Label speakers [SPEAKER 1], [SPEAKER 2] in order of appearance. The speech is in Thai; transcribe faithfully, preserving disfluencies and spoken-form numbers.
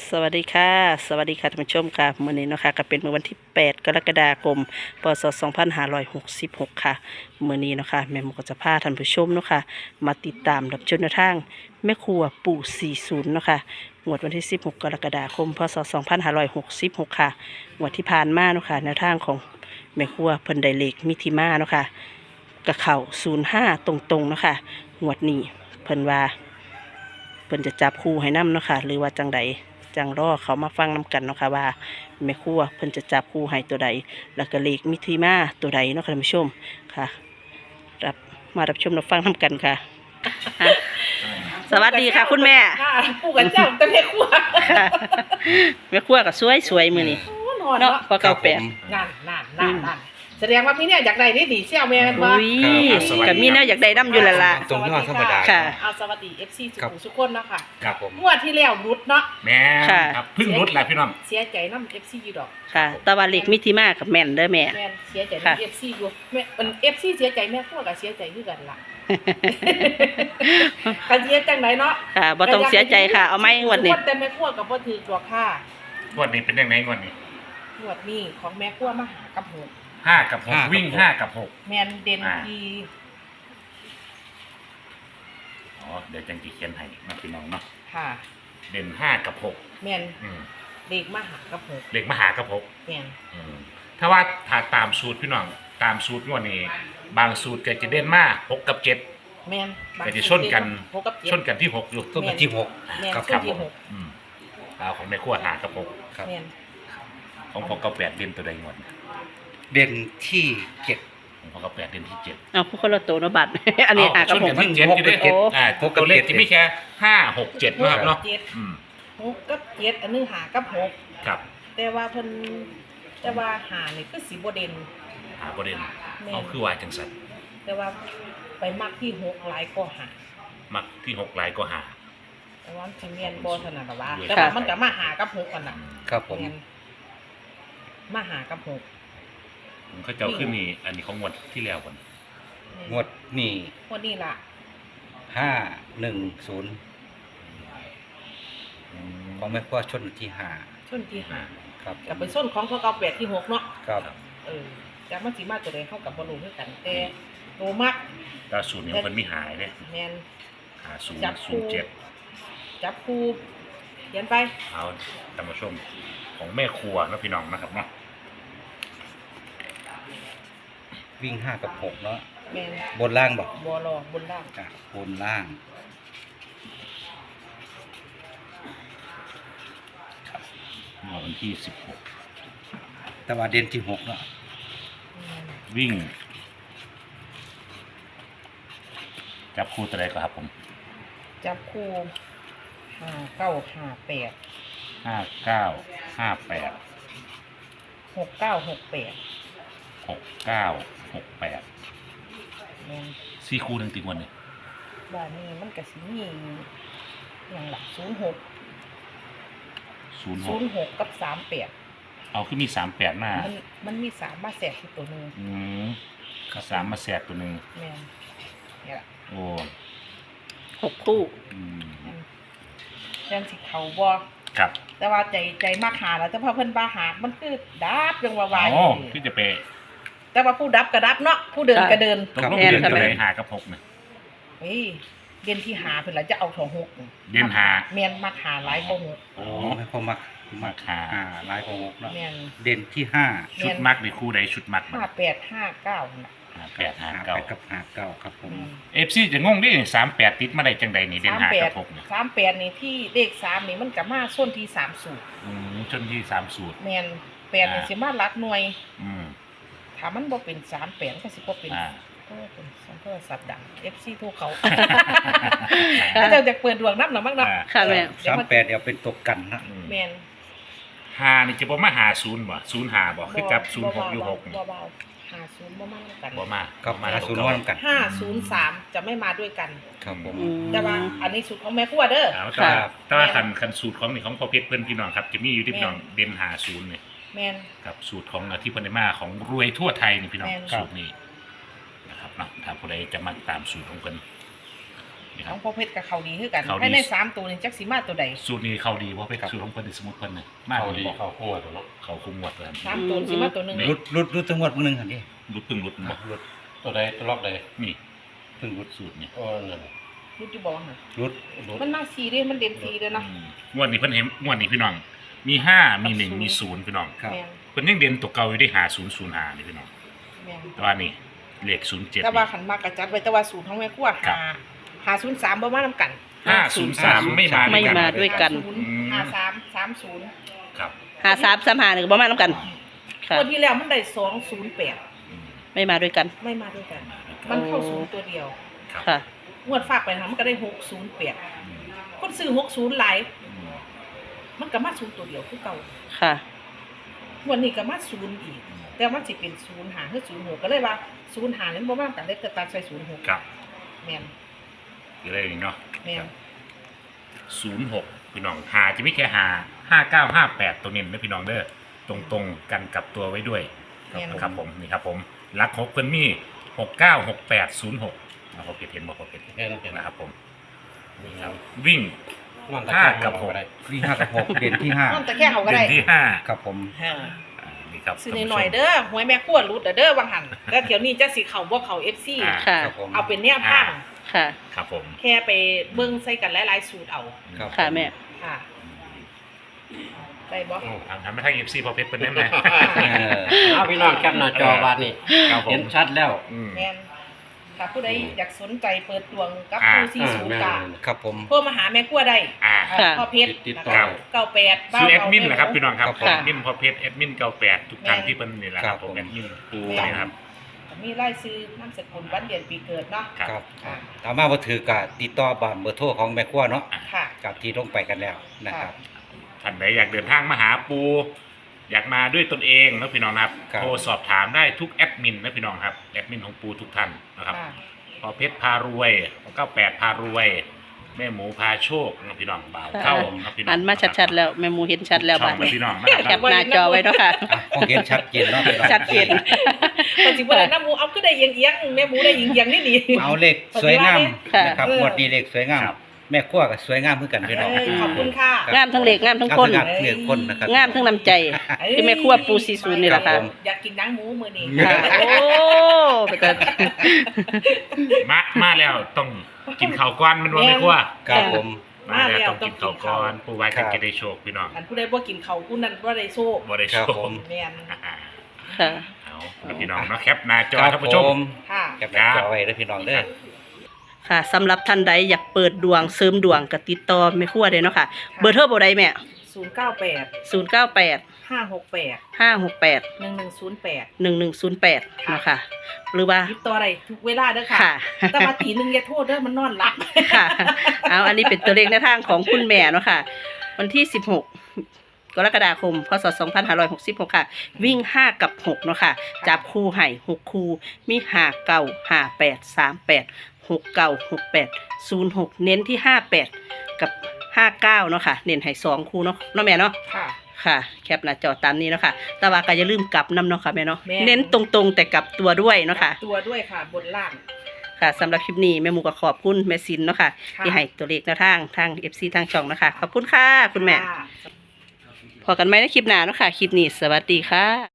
[SPEAKER 1] สวัสดีค่ะสวัสดีค่ะท่านผู้ชมค่ะมื้อนี้เนาะค่ะก็เป็นมื้อวันที่แปดกรกฎาคมพศสองพันห้าร้อยหกสิบหกค่ะมื้อนี้เนาะค่ะแม่หมูก็จะพาท่านผู้ชมเนาะค่ะมาติดตามรับชมแนวทางแม่ครัวปู่สี่สิบเนาะค่ะงวดวันที่สิบหกกรกฎาคมพศสองพันห้าร้อยหกสิบหกค่ะงวดที่ผ่านมาเนาะค่ะแนวทางของแม่ครัวเพิ่นได้เลขมิถิมาเนาะค่ะกะเข้าศูนย์ห้าตรงๆเนาะค่ะงวดนี้เพิ่นว่าเพิ่นจะจับคู่ให้นำเนาะค่ะหรือว่าจังใดจังรอเขามาฟังน้กันเนาะค่ะว่าแม่ครัวเพิ่นจะจับคู่ให้ตัวใดแล้วก็เลขมิถิมาตัวใดเนาะค่ะท่านผู้ชมค่ะรับมารับชมรับฟังน้กันค่ะอ่ะสวัสดีค่ะคุณแม่
[SPEAKER 2] ค่ะปู่กับเจ้าแต่แม่ครัว
[SPEAKER 1] ค่ะแม่ครัวก็สวยสวยๆมื้อนี้
[SPEAKER 2] โอ้นอน
[SPEAKER 1] เนาะ
[SPEAKER 2] เนาะ
[SPEAKER 1] พอเก่าแปด
[SPEAKER 2] นั่นนั่นนั่นนั่นแสดงว่าพี่เนี่ยอยากได้นี่ดีเชี่ยวแม่นบ่
[SPEAKER 1] อุ้ยก็มีแนวอยากได้นำอยู่แล้วล่ะ
[SPEAKER 3] ตรงยอดธรรมดา
[SPEAKER 1] ค่ะ
[SPEAKER 2] เอาสวัสดี เอฟ ซี สุ
[SPEAKER 3] ครับ
[SPEAKER 2] ขุมสุขคนเนาะค่ะ
[SPEAKER 3] ครับผม
[SPEAKER 2] งวดที่แล้วรุดเนาะ
[SPEAKER 3] แม่
[SPEAKER 1] ค่ะ
[SPEAKER 3] ครับเพึ่งรุดแหละพี่น้อง
[SPEAKER 2] เสียใจนำ เอฟ ซี อยู่ดอก
[SPEAKER 1] ค่ะแต่ว่าเลขมิถิมากับแม่นเด้อแม่
[SPEAKER 2] แม่นเสียใจ
[SPEAKER 1] ค่ะ
[SPEAKER 2] นำ เอฟ ซี อยู่แม่เป็น เอฟ ซี เสียใจแม่ครัวก็เสียใจคือกันล่ะกันเสียจังไดเนาะ
[SPEAKER 1] ค่ะบ่ต้องเสียใจค่ะเอาไหมงวดนี้
[SPEAKER 2] คนแต่แม่ครัวก็บ่ถือตัวค่ะ
[SPEAKER 3] งวดนี้เป็นยังไงงวดนี้
[SPEAKER 2] งวดนี้ของแม่ครัวมาหากับหก
[SPEAKER 3] ห้ากับหกห้ากับวิ่งหกห้ากับหก
[SPEAKER 2] แม่นเด่น
[SPEAKER 3] อ่า
[SPEAKER 2] ที่
[SPEAKER 3] อ๋อเดี๋ยวจังจีเขียนให้นะพี่น้องเนาะ
[SPEAKER 2] ค่ะ
[SPEAKER 3] เด่นห้ากับหก
[SPEAKER 2] แม่น
[SPEAKER 3] อืม
[SPEAKER 2] เด็กมาหากับหก
[SPEAKER 3] เล็กมหากับหก
[SPEAKER 2] แม่น
[SPEAKER 3] อืมถ้าว่าถ้าตามสูตรพี่น้องตามสูตรงวดนี้ บางสูตรก็จะเด่นมากหกกับเจ็ด
[SPEAKER 2] แม่นบาง
[SPEAKER 3] ก็จะชนกัน
[SPEAKER 2] หกกับเจ็ด
[SPEAKER 3] ชนกันที่หกอยู่
[SPEAKER 2] ต้นกันที่หก แม่น
[SPEAKER 3] ครับ
[SPEAKER 2] ชนที่
[SPEAKER 3] ผม
[SPEAKER 2] หก
[SPEAKER 3] อืมเอาของแม่ขั้วหากับหก
[SPEAKER 4] ครับ
[SPEAKER 2] แม่น
[SPEAKER 3] ของพอกับแปดเด่นตัวใดงวด
[SPEAKER 4] เด่นที่เจ็ด
[SPEAKER 3] ของพอกับแปดเด่นที่เจ็ด
[SPEAKER 1] เอาผู้คนละตัวเนาะบัตร อันนี้หากับ
[SPEAKER 3] ชน
[SPEAKER 1] ผม
[SPEAKER 3] กันที่เจ็ดอยู่ด้วย
[SPEAKER 1] โอ้
[SPEAKER 3] อ่าตัวเลขที่ไม่แค่ห้าหกเจ็ดนะครับเนาะ
[SPEAKER 2] เจ็ด
[SPEAKER 3] อืม
[SPEAKER 2] หกกับเจ็ดอันนึงหากับหก
[SPEAKER 3] ครับ
[SPEAKER 2] แต่ว่าเพิ่นแต่ว่าหานี่คือสีบ่เด่น
[SPEAKER 3] หาประเด็น
[SPEAKER 2] แม่น
[SPEAKER 3] เอาคือว่าจังสัน
[SPEAKER 2] แต่ว่าไปมักที่หกหลายก็หา
[SPEAKER 3] มักที่หกหลายก็หา
[SPEAKER 2] แต่ว่าสิแม่นบ่ถนัดว่า
[SPEAKER 3] ค่ะ
[SPEAKER 2] แต่ว่ามันก็มาหากับหกกันน่ะ
[SPEAKER 4] ครับผม
[SPEAKER 2] แม่นมาหากับหก
[SPEAKER 3] ผมเขาเจ้าขึ้นนี่อันนี้ของงวดที่แล้วก่อน
[SPEAKER 2] แม่น
[SPEAKER 4] งวดนี่
[SPEAKER 2] งวดนี้ล่ะ
[SPEAKER 4] ห้าหนึ่งศูนย์
[SPEAKER 3] อืม
[SPEAKER 4] ของแม่ครัวชนที่ห้า
[SPEAKER 2] ชนที่หา
[SPEAKER 4] ครับ
[SPEAKER 2] กับไปส้นของพวกเก่าแปดที่หกเนาะ
[SPEAKER 4] ครับ
[SPEAKER 2] เออจักมันสิมาตัวใดเข้ากับบ่รู้คือกันแต่โตมัก
[SPEAKER 3] แตาสูตรนี้มันมีหายเลย
[SPEAKER 2] แม่น
[SPEAKER 3] หาศูน
[SPEAKER 2] จับ
[SPEAKER 3] ย์
[SPEAKER 2] คู่
[SPEAKER 3] ศูนย์เจ็ด
[SPEAKER 2] จับคู่เขียนไป
[SPEAKER 3] เอาท่านผู้ชมของแม่ครัวนะพี่น้องนะครับเนาะ
[SPEAKER 4] วิ่งห้ากับหกเนาะ
[SPEAKER 2] แม่น
[SPEAKER 4] บนล่างบอก
[SPEAKER 2] บอลอบนล่าง
[SPEAKER 4] อ่ะบนล่าง
[SPEAKER 3] เมื่อวันที่สิบหก
[SPEAKER 4] แต่ว่าเด่นที่หกเนาะ
[SPEAKER 2] แม่น
[SPEAKER 3] วิ่ง จับคู่ตัวใดก็ครับผม
[SPEAKER 2] จับคู่ห้าเก้าห้าแปด
[SPEAKER 3] ห้าเก้าห้าแปด
[SPEAKER 2] หกเก้าหกแปด
[SPEAKER 3] หกเก้าหกแปด
[SPEAKER 2] แม่น
[SPEAKER 3] สี่คู่หนึ่งติดวันนี่
[SPEAKER 2] บ้านนี้มันก็สิมีอย่างหลักศูนย์หก
[SPEAKER 3] ศูนย์ห
[SPEAKER 2] ศู
[SPEAKER 3] ก
[SPEAKER 2] นย์หกกับสามแปด
[SPEAKER 3] เอาขึ้นมีสามแปดหน้า
[SPEAKER 2] มันมันมีสามมาแสกที่ตัวหนึง
[SPEAKER 3] อืมสามมาแสบตัวหนึ่ง
[SPEAKER 2] แม่นเนี่ยล่ะ
[SPEAKER 3] โอ้
[SPEAKER 1] หกคู่
[SPEAKER 3] อืม
[SPEAKER 2] อืมเรื่องสิเขาบ่
[SPEAKER 3] ครับ
[SPEAKER 2] แต่ว่าใจใจมากหาแล้วแต่พอเพิ่นบาหามันคือดับยังว่าวาย
[SPEAKER 3] โอ้ที่จะไป
[SPEAKER 2] แต่ว่าผู้ดับก็ดับเนาะผู้เดินก็เดิน
[SPEAKER 3] ตกลงเดือนตัวไหนหากับหกเนี่ย
[SPEAKER 2] เฮ้ยเรียนที่หาเพิ่นละจะเอาถองหก
[SPEAKER 3] เรียนหา
[SPEAKER 2] แม่นมักหาหลายกว่าหก
[SPEAKER 3] โอ้
[SPEAKER 4] โอ้แม่ครัวมัก
[SPEAKER 3] มาหา
[SPEAKER 4] อ่าลายของหกเนาะ
[SPEAKER 2] แม่น
[SPEAKER 4] เด่นที่ห้า
[SPEAKER 3] ชุดมักในคู่ใดชุดมัก
[SPEAKER 2] ห้าแปดห้าเก้าน่ะ
[SPEAKER 3] หาแปดหา
[SPEAKER 4] ห้า
[SPEAKER 3] เก้า
[SPEAKER 4] แปดกับห้าเก้าครับผม
[SPEAKER 2] แม่น
[SPEAKER 3] เอฟซีจะงงดิสามแปดติดมาได้จังใดนี่เด่น
[SPEAKER 2] สาม
[SPEAKER 3] หา
[SPEAKER 2] แป
[SPEAKER 3] กั
[SPEAKER 2] ด
[SPEAKER 3] บหกเนี่ย
[SPEAKER 2] สามแปดนี่ที่เลขสามนี่มันก็มาส้นที่สามสูตร
[SPEAKER 3] อืมจนที่สามสูตร
[SPEAKER 2] แม่นแปดนี่สิมาหลักหน่วย
[SPEAKER 3] อืม
[SPEAKER 2] ถ้ามันบ่เป็นสามแปดก็สิบ่เป็น
[SPEAKER 3] อ่า
[SPEAKER 2] โอ้เป็นสัมโทรศัพท์ดัง เอฟ ซี โทรเขาถ้าเจ้าจะเปิดดวงนับหน่อยมั้งเนาะ
[SPEAKER 3] อ่า
[SPEAKER 1] ค่ะแม่
[SPEAKER 2] เดี๋ยว
[SPEAKER 4] สาม
[SPEAKER 2] มัน
[SPEAKER 4] แปดเดี๋ยวเป็นตกกันนะ
[SPEAKER 3] อืม
[SPEAKER 2] แม่น
[SPEAKER 3] หานี่จะบ่มาหาศูนย์บ่ศูนย์หาบ่คือจับศูนย์หกอยู่หกนี่
[SPEAKER 2] บ่เบาๆหาศูนย์บ่มาด้วยกัน
[SPEAKER 3] บ่มา
[SPEAKER 4] ครับ
[SPEAKER 3] บ่มา
[SPEAKER 4] หาศูนย์
[SPEAKER 3] ตัว
[SPEAKER 4] ว่า
[SPEAKER 3] เก่
[SPEAKER 4] นำกัน
[SPEAKER 2] ห้าศูนย์สามจะไม่มาด้วยกัน
[SPEAKER 4] ครับผม
[SPEAKER 1] อืม
[SPEAKER 2] แต่ว่าอันนี้สูตรของแม่ครัวเด้อ
[SPEAKER 3] เอาแต่ว่า
[SPEAKER 4] ครับ
[SPEAKER 3] แต่ว่าคันคันสูตรของนี่ของพ่อเพชรเพิ่นพี่น้องครับจะมีอยู่ที่พี่น้องเด่นหาศูนย์นี่
[SPEAKER 2] แม่น
[SPEAKER 3] ครับสูตรของที่เพิ่นได้มาของรวยทั่วไทยนี่พี่น้อง
[SPEAKER 2] แม่น
[SPEAKER 3] สูตรนี้นะครับเนาะถ้าผู้ใดจะมาตามสูตรของเพิ่นนี่ค
[SPEAKER 2] ข
[SPEAKER 3] รั
[SPEAKER 2] อบ งพ่อเพชรกับเขาดีคือกัน
[SPEAKER 3] เขาดี
[SPEAKER 2] ให้ในสามตัวนี่จักสิมาตัวใด
[SPEAKER 3] สูตรนี้เขาดีเพราะเป็นสูตรของเพิ่นที่สมุดเพิ่นน่ะมาก
[SPEAKER 5] เขา
[SPEAKER 3] ดี
[SPEAKER 5] ดี
[SPEAKER 3] บอก
[SPEAKER 5] เขาหัวตัวเนาะ
[SPEAKER 3] เขาคุมงวดเลย
[SPEAKER 2] สามตัวสิมาตัวหนึง
[SPEAKER 4] รุดรุดรุดจังหวัดมึงหนึ่งครับนี่
[SPEAKER 3] รุดพึ่งรุดบอก
[SPEAKER 4] รุด
[SPEAKER 5] ตัวใดตัวล็อกใด
[SPEAKER 3] นี่
[SPEAKER 4] เพิ่งรุด
[SPEAKER 3] สูตรนี่
[SPEAKER 5] โอ้นั่น
[SPEAKER 2] รู้จุบอกหั่น
[SPEAKER 4] รุด
[SPEAKER 5] รถ
[SPEAKER 2] มันมาสีเด้มันเด่นสีเด้อเนาะ
[SPEAKER 3] อืมงวดนี้เพิ่นเห็นงวดนี้พี่น้อง มีห้ามีหนึ่งมีศูนย์พี่น้อง
[SPEAKER 4] ครับ
[SPEAKER 2] แม่น
[SPEAKER 3] เพิ่นยังเด่นตัวเก่าอยู่ได้หาศูนย์ศูนย์หานี่พี่น้อง
[SPEAKER 2] แม่น
[SPEAKER 3] แต่ว่านี่เลขศูนย์เจ็ด
[SPEAKER 2] แต่ว่าขันมากระจัดไว้แต่ว่าสูตรของแม่ครัว
[SPEAKER 3] ครั
[SPEAKER 2] หา
[SPEAKER 3] บ
[SPEAKER 2] หาศูนย์สามบ่มานํกัน
[SPEAKER 3] ห้าศูนย์สามไม่มา
[SPEAKER 1] ไม่มาด้วยกัน
[SPEAKER 2] ศูนย์หาสามสามศูนย์
[SPEAKER 3] ครับ
[SPEAKER 1] หาสามสามหาหนึ่งบ่มาน้ำกันค่ะ
[SPEAKER 2] ตัวที่แล้วมันได้สองศูนย์แปด
[SPEAKER 3] อืม
[SPEAKER 1] ไม่มาด้วยกัน
[SPEAKER 2] ไม่มาด้วยกัน มันเข้าศูนย์ตัวเดียว
[SPEAKER 3] ครับ
[SPEAKER 1] ค่ะ
[SPEAKER 2] งวดฝากไปนะมันก็ได้หกศูนย์แปด
[SPEAKER 3] อืม
[SPEAKER 2] คนซื้อหกศูนย์หลาย
[SPEAKER 3] อืม
[SPEAKER 2] มันก็มาศูนย์ตัวเดียวคือเก่า
[SPEAKER 1] ค่ะ
[SPEAKER 2] งวดนี้ก็มาศูนย์อีก แต่มันสิเป็นศูนย์หาคือศูนย์หกก็เลยว่าศูนย์หานั้นบ่มากันเลยแต่ตัดใส่ศูนย์หก
[SPEAKER 3] ครับ
[SPEAKER 2] แม่น
[SPEAKER 3] คืออะไรนี่เนาะ
[SPEAKER 2] แม่น
[SPEAKER 3] ศูนย์หกพี่น้องหาจะไม่แค่หาห้าเก้าห้าแปดตัวเน้นนะพี่น้องเด้อตรงตรงๆกันกับตัวไว้ด้วย
[SPEAKER 2] แม่น
[SPEAKER 3] นะครับผมนี่ครับผมรักหกเพิ่นมีหกเก้าหกแปดศูนย์หกนะครับเพจเห็นบอกเพจ
[SPEAKER 5] แค่นั้นเอง
[SPEAKER 3] นะครับผมนี่ครับวิ่ง
[SPEAKER 5] มันตะ
[SPEAKER 3] ห้า
[SPEAKER 5] แคง
[SPEAKER 3] กับ
[SPEAKER 5] มัน
[SPEAKER 3] หก
[SPEAKER 5] ได้
[SPEAKER 4] วิ่งห้ากับหกเด่นที่ห้า
[SPEAKER 2] มันแต่แค่เขาก็
[SPEAKER 3] เด่
[SPEAKER 2] ได้
[SPEAKER 3] นที่ห้า
[SPEAKER 4] ครับผม
[SPEAKER 2] ฮ่า
[SPEAKER 3] อ่านี่ครับ
[SPEAKER 2] ซื้อหน่อยๆเด้อหวยแม่ขั้วรูดเด้อวังหันแล้วเดี๋ยวนี้จะสิเข้าบ่เข้า เอฟ ซี
[SPEAKER 3] อ่า
[SPEAKER 1] ค่ะ
[SPEAKER 4] ครับผม
[SPEAKER 2] เอาเป็นแนวทาง
[SPEAKER 1] ค่ะ
[SPEAKER 3] ครับผม
[SPEAKER 2] แค่ไปเบิ่งใส่กันหลายๆสูตรเอา
[SPEAKER 4] ครับ
[SPEAKER 1] ค่ะแม่
[SPEAKER 2] ค่ะได้บ่
[SPEAKER 5] อืม
[SPEAKER 3] ทำทำให้ทางเอฟซีพอเพชรเป็นได้ไหม
[SPEAKER 4] เออ
[SPEAKER 5] เอาพี่น้องแคปหน้าจอวันนี้
[SPEAKER 3] ครับผม
[SPEAKER 5] เห็นชัดแล้ว
[SPEAKER 3] อืม
[SPEAKER 2] แม่นถ้าผู้ใดอยากสนใจเปิดดวงกับ
[SPEAKER 3] อ่า
[SPEAKER 2] ผู้สี่ศูนย์กา
[SPEAKER 4] ครับผม
[SPEAKER 2] โทรมาหาแม่ขั้วได้
[SPEAKER 3] อ่า
[SPEAKER 1] ค่ะ
[SPEAKER 2] พ่อเพชร
[SPEAKER 5] ติด
[SPEAKER 2] นะ
[SPEAKER 5] ต่อ
[SPEAKER 2] คะเก้าแปด
[SPEAKER 3] ชื่อแอดมินเหรอครับพี่น้องครับ
[SPEAKER 4] ครับผม
[SPEAKER 3] แอดมินพอเพชรแอดมินเก้าแปดทุกท่านที่เป็นนี่แหละครับ
[SPEAKER 4] ครับ
[SPEAKER 3] ผ
[SPEAKER 4] ผม ม
[SPEAKER 3] แอดมินปู
[SPEAKER 2] แม่น
[SPEAKER 3] นะครับ
[SPEAKER 2] มีรายชื่อนามสกุลวันเดือนปีเกิดเนาะ
[SPEAKER 3] ครับ
[SPEAKER 4] ครับ
[SPEAKER 2] ค่ะ
[SPEAKER 4] ตามมาบ่ถือกะติดต่อบ้านเบอร์โทรของแม่ครัวเนาะ
[SPEAKER 2] ค่ะ
[SPEAKER 4] กับที่ลงไปกันแล้วนะครับ
[SPEAKER 3] ท่านไหนอยากเดินทางมาหาปู อยากมาด้วยตนเองนะพี่น้องนะครับ
[SPEAKER 4] ครับ
[SPEAKER 3] โทรสอบถามได้ทุกแอดมินนะพี่น้องครับแอดมินของปูทุกท่านนะครับ
[SPEAKER 2] ค่ะ
[SPEAKER 3] พอเพชรพารวยเก้าแปดพารวย แม่หมูพาโชคนะพี่น้องบ่าวเข้าครับพี่น้อง
[SPEAKER 1] อันมาชัดๆแล้วแม่หมูเห็นชัดแล้ว
[SPEAKER 3] ช่
[SPEAKER 1] บ้า
[SPEAKER 3] อง งนะพี่น้องนะค
[SPEAKER 1] แค
[SPEAKER 3] รับ
[SPEAKER 1] ปหน้าจอไว้เนาะค่ะ
[SPEAKER 4] อ่ะคงเห็นชัดเจนเนาะพี่น้อง
[SPEAKER 1] ชัดเจน
[SPEAKER 2] ปัจจุบันน้ำหมูเอาก็ได้เอียงเอียงๆแม่หมูได้เอียงเอียงนี่ดี
[SPEAKER 4] เอาเลขสวยงาม
[SPEAKER 1] ค่ะ
[SPEAKER 4] นะครับ
[SPEAKER 2] เออ
[SPEAKER 4] งวดนี้เลขสวยงาม แม่ครัวก็สวยงามเหมือนกันพี่น้อง
[SPEAKER 2] เอ้ยขอบคุณค่ะ
[SPEAKER 4] ครับ
[SPEAKER 1] งามทั้งเหล็กงามทั้งคน
[SPEAKER 4] งามทั้งเหล็กคนนะครับ
[SPEAKER 1] งามทั้งน้ำใจ คือแม่ครัวปูซีซูนนี่แหละค่ะ
[SPEAKER 2] อยากกินหนังหมูมื้อนี้
[SPEAKER 1] ค่ะโอ้แต่
[SPEAKER 3] มามาแล้วต้องกินข้าวก้อนมันว่าไม่กลัว
[SPEAKER 4] ครับผม
[SPEAKER 3] มาแล้วต้องกินข้าวก้อนปูไว้
[SPEAKER 4] ครั
[SPEAKER 3] กัน
[SPEAKER 4] บ
[SPEAKER 3] จะได้โชคพี่น้อง
[SPEAKER 2] อันผู้ใดบ่กินเขาวผู้นั้นบ่ได้โชค
[SPEAKER 3] บ่ได้โช
[SPEAKER 4] ครับ
[SPEAKER 3] ค
[SPEAKER 4] ผม
[SPEAKER 2] แม่น
[SPEAKER 3] อ่า
[SPEAKER 1] ค่ะ
[SPEAKER 3] เอาแล้วพี่น้องเนาะแคปหน้าจอ
[SPEAKER 4] ครับ
[SPEAKER 3] ท่าน
[SPEAKER 4] ผ
[SPEAKER 3] ผู้ชม
[SPEAKER 4] ม
[SPEAKER 2] ค่ะ
[SPEAKER 4] แคปหน้าจอไว้เด้อพี่น้องเด้อ
[SPEAKER 1] ค่ะสำหรับท่านใดอยากเปิดดวงเสริมดวงก็ติดต่อแม่ครัวได้เนาะค่ะ เบอร์โทรบ่ได้แม่
[SPEAKER 2] ศูนย์เก้าแปด
[SPEAKER 1] ศูนย์เก้าแปด
[SPEAKER 2] ห้าหกแปด
[SPEAKER 1] ห้าหกแปด
[SPEAKER 2] หนึ่งหนึ่งศูนย์แปด
[SPEAKER 1] หนึ่งหนึ่งศูนย์แปดเนาะค่ะ หรือว่า
[SPEAKER 2] ติดต่อได้ทุกเวลาเด้อค่ะ
[SPEAKER 1] ค่ะ
[SPEAKER 2] แต่มาตีหนึงอย่าโทษเด้อมันนอนหลับ
[SPEAKER 1] ค่ะ เอาอันนี้เป็นตัวเลขในทางของคุณแม่เนาะค่ะ วันที่สิบหกกรกฎาคมพศสองพันห้าร้อยหกสิบหกค่ะ วิ่งห้ากับหกเนาะค่ะ จับคู่ให้หกคู่ มีห้าเก้าห้าแปดสามแปดหกเก้าหกแปดศูนย์หกเน้นที่ห้าแปดกับห้าเก้าเนาะค่ะ เน้นให้สองคู่เนาะเนาะแม่เนาะ
[SPEAKER 2] ค่ะ
[SPEAKER 1] ค่ะ แคปหน้าจอตามนี้เนาะค่ะ แต่ว่าก็อย่าลืมกลับนำเนาะค่ะแม่เนาะ
[SPEAKER 2] แม่
[SPEAKER 1] เน้นตรงๆแต่กลับตัวด้วยเนาะค่ะ
[SPEAKER 2] ตัวด้วยค่ะบนล่าง
[SPEAKER 1] ค่ะสำหรับคลิปนี้แม่หมูก็ขอบคุณแม่ซินเนาะค่ะ
[SPEAKER 2] ค่ะ
[SPEAKER 1] ที่ให้ตัวเลขแนวทางทาง เอฟ ซี ทางช่องนะคะ ขอบคุณค่ะ คุณแม่
[SPEAKER 2] ค่ะ
[SPEAKER 1] พอกันไหมในคลิปหน้าเนาะค่ะ คลิปนี้สวัสดีค่ะ